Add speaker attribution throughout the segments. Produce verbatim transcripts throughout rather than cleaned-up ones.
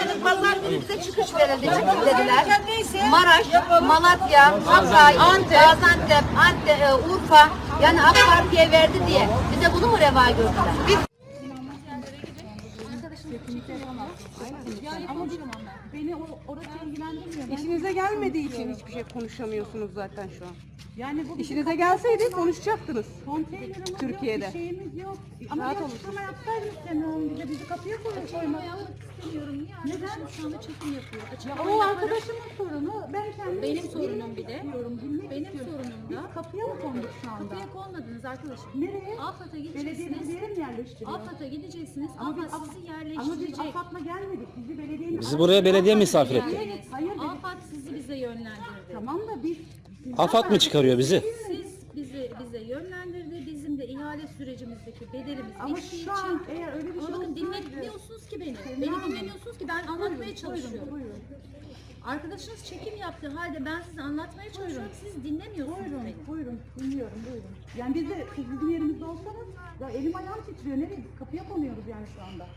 Speaker 1: dedim pazar günü bize çıkış verildi. Çıkın dediler. Maraş, Malatya, Hatay, Antep, Gaziantep, Antep, e, Urfa yani AK Parti'ye verdi diye bize bunu mu reva gördüler? Biz
Speaker 2: Yani ama beni o, orası ilgilendirmiyor. İşinize gelmediği için hiçbir şey konuşamıyorsunuz zaten şu an. Yani bu İşinize gelseydi konuşacaktınız. Konteynerimiz Türkiye'de. Yok, bir şeyimiz yok. Ama bir açıklama yapsaydınız Semiha'nın bize bizi kapıya koyup koymak. istemiyorum. Niye? Neden? Şu anda çekim yapıyor. Açıklama ya o arkadaşımın sorunu. Ben kendim
Speaker 3: Benim sorunum bir de.
Speaker 2: Benim sorunum da. Biz kapıya mı konduk şu anda?
Speaker 3: Kapıya konmadınız arkadaşım.
Speaker 2: Nereye?
Speaker 3: AFAD'a
Speaker 2: Belediyenin
Speaker 3: gideceksiniz.
Speaker 2: bir yere mi yerleştiriyor?
Speaker 3: AFAD'a gideceksiniz.
Speaker 2: Ama biz,
Speaker 3: AFAD sizi
Speaker 2: ama biz
Speaker 3: yerleştirecek.
Speaker 2: AFAD'la gelmedik. Bizi belediyenin...
Speaker 4: Bizi buraya belediye misafir etti.
Speaker 2: Hayır, hayır dedik.
Speaker 3: AFAD sizi bize yönlendirdi.
Speaker 2: Tamam da biz...
Speaker 4: AFAD mı çıkarıyor bizi?
Speaker 3: Siz bizi bize yönlendirdi. Bizim de ihale sürecimizdeki bedelimiz
Speaker 2: Ama
Speaker 3: bittiği
Speaker 2: şu an
Speaker 3: için.
Speaker 2: eğer öyle bir şey
Speaker 3: Ama bakın
Speaker 2: olsaydı-
Speaker 3: dinlemiyorsunuz ki beni. Beni dinlemiyorsunuz ki ben anlatmaya çalışıyorum.
Speaker 2: Buyurun.
Speaker 3: Arkadaşınız çekim yaptığı halde ben size anlatmaya çalışıyorum. Siz dinlemiyorsunuz
Speaker 2: Buyurun,
Speaker 3: beni.
Speaker 2: buyurun, dinliyorum, buyurun. Yani biz de, siz bizim yerimizde olsanız, ya elim ayağım titriyor, nereye? Biz kapıya konuyoruz yani şu anda.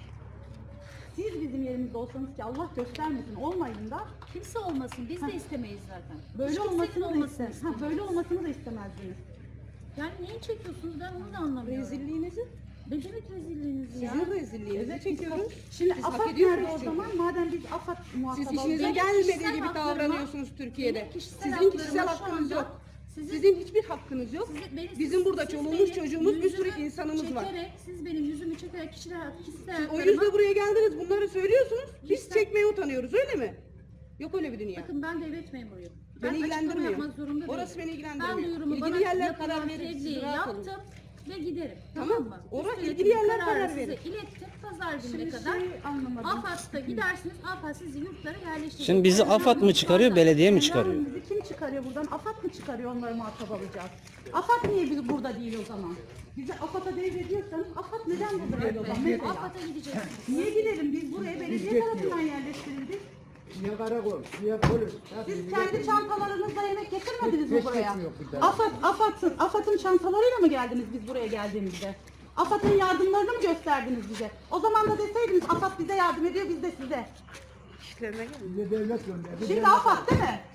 Speaker 2: Siz bizim yerimizde olsanız ki Allah göstermesin, olmayın da
Speaker 3: Kimse olmasın. Biz de istemeyiz zaten.
Speaker 2: böyle
Speaker 3: Hiç kimsenin
Speaker 2: olmasını da
Speaker 3: olmasını
Speaker 2: istemez. Ha, böyle olmasını da istemezdiniz.
Speaker 3: Yani neyi çekiyorsunuz ben onu da anlamıyorum.
Speaker 2: Rezilliğinizi,
Speaker 3: Ne demek rezilliğiniz ya?
Speaker 2: sizin rezilliğinizi çekiyoruz. Şimdi
Speaker 5: Siz
Speaker 2: AFAD
Speaker 5: hak
Speaker 2: nerede
Speaker 5: ediyorsunuz
Speaker 2: o
Speaker 5: çünkü.
Speaker 2: zaman? Madem biz AFAD muhatabı
Speaker 5: Siz işinize
Speaker 3: Benim
Speaker 5: gelmediği
Speaker 3: kişisel
Speaker 5: gibi
Speaker 3: haklarıma-
Speaker 5: davranıyorsunuz Türkiye'de.
Speaker 3: benim kişisel
Speaker 5: Sizin
Speaker 3: haklarıma
Speaker 5: kişisel
Speaker 3: şu
Speaker 5: hakkınız
Speaker 3: anda
Speaker 5: yok.
Speaker 3: sizin-
Speaker 5: Sizin hiçbir hakkınız yok.
Speaker 3: Siz- beni-
Speaker 5: Bizim
Speaker 3: siz-
Speaker 5: burada
Speaker 3: siz
Speaker 5: çoluğumuz,
Speaker 3: benim
Speaker 5: çocuğumuz, bir sürü
Speaker 3: yüzümü
Speaker 5: insanımız var.
Speaker 3: çekerek, siz benim yüzümü çekerek kişisel, kişisel
Speaker 5: O
Speaker 3: haklarıma...
Speaker 5: yüzden buraya geldiniz, bunları söylüyorsunuz. Biz
Speaker 3: Kişisel-
Speaker 5: çekmeye utanıyoruz, öyle mi? Yok öyle bir dünya.
Speaker 3: Bakın ben devlet memuruyum. Ben
Speaker 5: Beni
Speaker 3: açıklama
Speaker 5: ilgilendirmiyor.
Speaker 3: yapmak zorunda
Speaker 5: Orası
Speaker 3: değilim.
Speaker 5: beni ilgilendirmiyor.
Speaker 3: Ben duyurumu
Speaker 5: İlgili
Speaker 3: bana
Speaker 5: yerler
Speaker 3: yapılan
Speaker 5: karar verir, siz
Speaker 3: tebliği
Speaker 5: rahat olun.
Speaker 3: yaptım ve giderim.
Speaker 5: Tamam.
Speaker 3: Tamam mı?
Speaker 5: Orası
Speaker 3: Üst
Speaker 5: ilgili
Speaker 3: yönetim
Speaker 5: yerler karar
Speaker 3: size
Speaker 5: verir.
Speaker 3: ilettim. Pazar gününe
Speaker 2: Şimdi
Speaker 3: kadar.
Speaker 2: şey anlamadım.
Speaker 3: AFAD'da gidersiniz. AFAD sizi yurtlara yerleştirecek.
Speaker 4: Şimdi bizi AFAD mı çıkarıyor, belediye mi çıkarıyor?
Speaker 2: Yani bizi kim çıkarıyor buradan? AFAD mı çıkarıyor, onları muhatap alacağız? AFAD niye biz burada değil o zaman? Bizi AFAD'a devrediyorsanız AFAD neden burada değil o zaman? Mesela.
Speaker 3: AFAD'a gideceksiniz.
Speaker 2: Niye gidelim? Biz buraya belediye tarafından yerleştirildik.
Speaker 6: Niye karakol, niye polis?
Speaker 2: Siz kendi çantalarınızla yemek getirmediniz mi
Speaker 6: Hiç
Speaker 2: buraya?
Speaker 6: getirmiyor bir de.
Speaker 2: AFAD, AFAD'ın, AFAD'ın çantalarıyla mı geldiniz biz buraya geldiğimizde? AFAD'ın yardımlarını mı gösterdiniz bize? O zaman da deseydiniz AFAD bize yardım ediyor, biz de size.
Speaker 5: İşlerine gelin.
Speaker 6: Bize devlet gönderdi.
Speaker 2: Şimdi AFAD değil mi?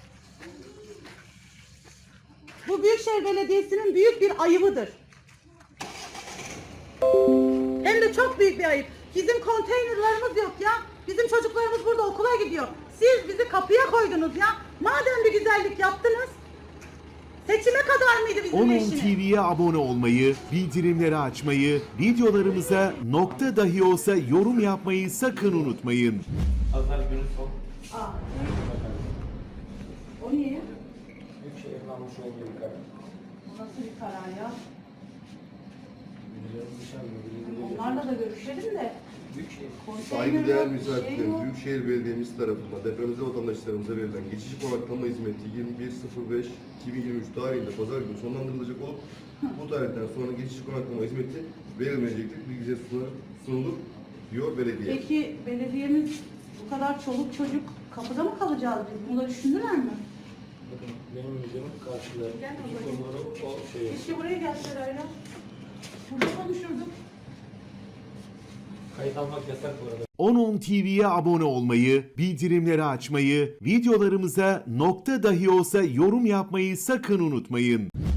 Speaker 2: Bu Büyükşehir Belediyesi'nin büyük bir ayıbıdır. Hem de çok büyük bir ayıp. Bizim konteynerlarımız yok ya. Bizim çocuklarımız burada okula gidiyor. Siz bizi kapıya koydunuz ya. Madem bir güzellik yaptınız. Seçime kadar mıydı bizim
Speaker 7: on on
Speaker 2: eşiniz?
Speaker 7: T V'ye abone olmayı, bildirimleri açmayı, videolarımıza nokta dahi olsa yorum yapmayı sakın unutmayın.
Speaker 8: Pazar günü son
Speaker 2: Aa. O niye?
Speaker 8: Büyükşehir'in almış olduğu bir karar.
Speaker 2: Bu nasıl bir karar ya?
Speaker 8: Biliyoruz dışarıda, biliyoruz.
Speaker 2: Onlarla da görüşelim de.
Speaker 8: Büyükşehir.
Speaker 9: Saygıdeğer
Speaker 2: Konteyner yok, bir şey
Speaker 9: misafirlerimiz,
Speaker 2: yok.
Speaker 9: Büyükşehir Belediyemiz tarafından depremize vatandaşlarımıza verilen geçici konaklama hizmeti yirmi bir sıfır beş iki bin yirmi üç tarihinde pazar günü sonlandırılacak olup bu tarihten sonra geçici konaklama hizmeti verilmeyecektir. Bilgiye sunulur, sunulur diyor belediye.
Speaker 2: Peki belediyemiz bu kadar çoluk çocuk kapıda mı kalacağız biz? Bunu da düşündüler mi?
Speaker 8: Bakın benim videomun karşıda.
Speaker 2: Gel
Speaker 8: İki
Speaker 2: babacığım.
Speaker 8: konuları o şey.
Speaker 2: Keşke buraya gelseler ya. Burada konuşurduk.
Speaker 8: Kayıt almak yasak bu arada.
Speaker 7: on on T V'ye abone olmayı, bildirimleri açmayı, videolarımıza nokta dahi olsa yorum yapmayı sakın unutmayın.